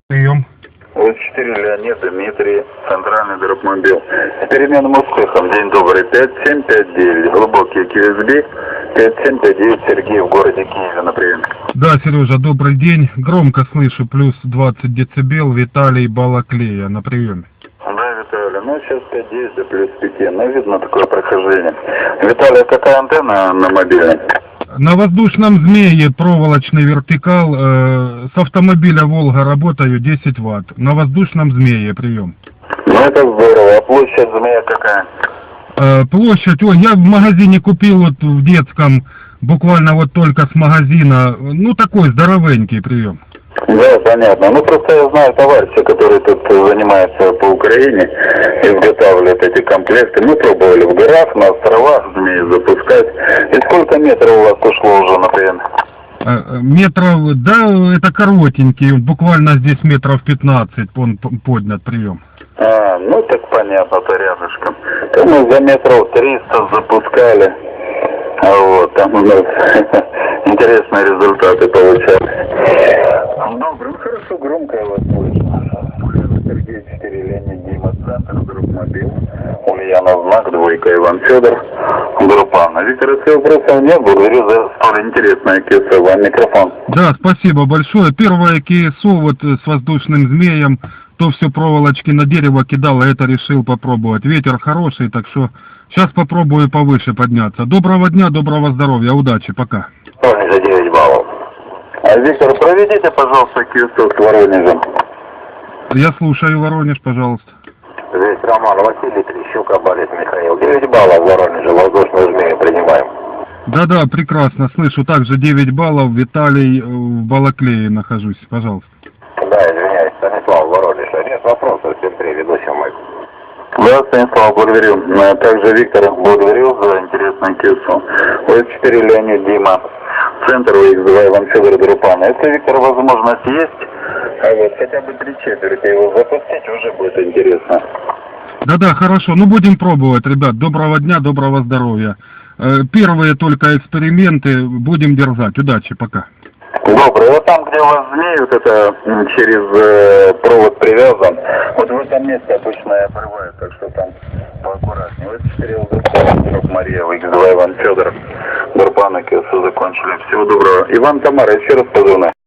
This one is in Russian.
Прием. Вот 4 Леонид, Дмитрий, центральный дропмобил. С переменным успехом. День добрый. 5759. Глубокий QSB. 5759. Сергей в городе Киеве на приеме. Да, Сережа, добрый день. Громко слышу, плюс 20 децибел. Виталий Балаклея на приеме. Да, Виталий. Ну, сейчас 5-10 до плюс 5. Ну, видно такое прохождение. Виталий, какая антенна на мобильной? На воздушном змее проволочный вертикал, с автомобиля «Волга» работаю 10 ватт. На воздушном змее прием. Ну, это здорово. А площадь змея какая? Площадь, ой, я в магазине купил вот в детском, буквально вот только с магазина, ну такой здоровенький прием. Да, понятно. Ну, просто я знаю товарища, который тут занимается по Украине, изготавливает эти комплекты. Мы пробовали в горах, на островах змеи запускать. И сколько метров у вас ушло уже, например? Метров, да, это коротенький, буквально здесь метров 15 он поднят прием. Ну так понятно, то рядышком. То мы за метров 300 запускали. Вот, там у нас интересные результаты получались. Добрый, ну хорошо, громко я вас слышу. Сергей 4 Леонид, Дима, центр, дропмобил. Ульянов знак, двойка, Иван Федор, группа Анна. Виктор, если вопросов нет, благодарю за столь интересное КСО. Вам микрофон. Да, спасибо большое. Первое КСО вот с воздушным змеем, то все проволочки на дерево кидало, это решил попробовать. Ветер хороший, так что сейчас попробую повыше подняться. Доброго дня, доброго здоровья, удачи, пока. За 9 баллов. Виктор, проведите, пожалуйста, КСО с Воронежем. Я слушаю, Воронеж, пожалуйста. Здесь Роман, Василий, Трещук, Абалит, Михаил. 9 баллов в Воронеже, воздушную змею принимаем. Да-да, прекрасно, слышу. Также 9 баллов, Виталий в Балаклее нахожусь, пожалуйста. Да, извиняюсь, Станислав, Воронеж. Нет вопросов, всем привет, ведущий мой. Да, Станислав, благодарю. Также Виктор, благодарю за интересный КСО. ОС-4 Леонид, Дима, центр УХ-2, Иван Федор, Друпана. Если, Виктор, возможность есть, вот хотя бы 3/4 его запустить, уже будет интересно. Да-да, хорошо, ну будем пробовать, ребят. Доброго дня, доброго здоровья. Первые только эксперименты, будем дерзать. Удачи, пока. Добрый. Вот там, где у вас змеи, вот это через провод привязан, вот в этом месте обычно и обрывают, так что там поаккуратнее. Вот 4 ЛД, Мария, Х2, Иван Федор, Дурпана, КСУ закончили. Всего доброго. Иван, Тамара, еще раз позвоню.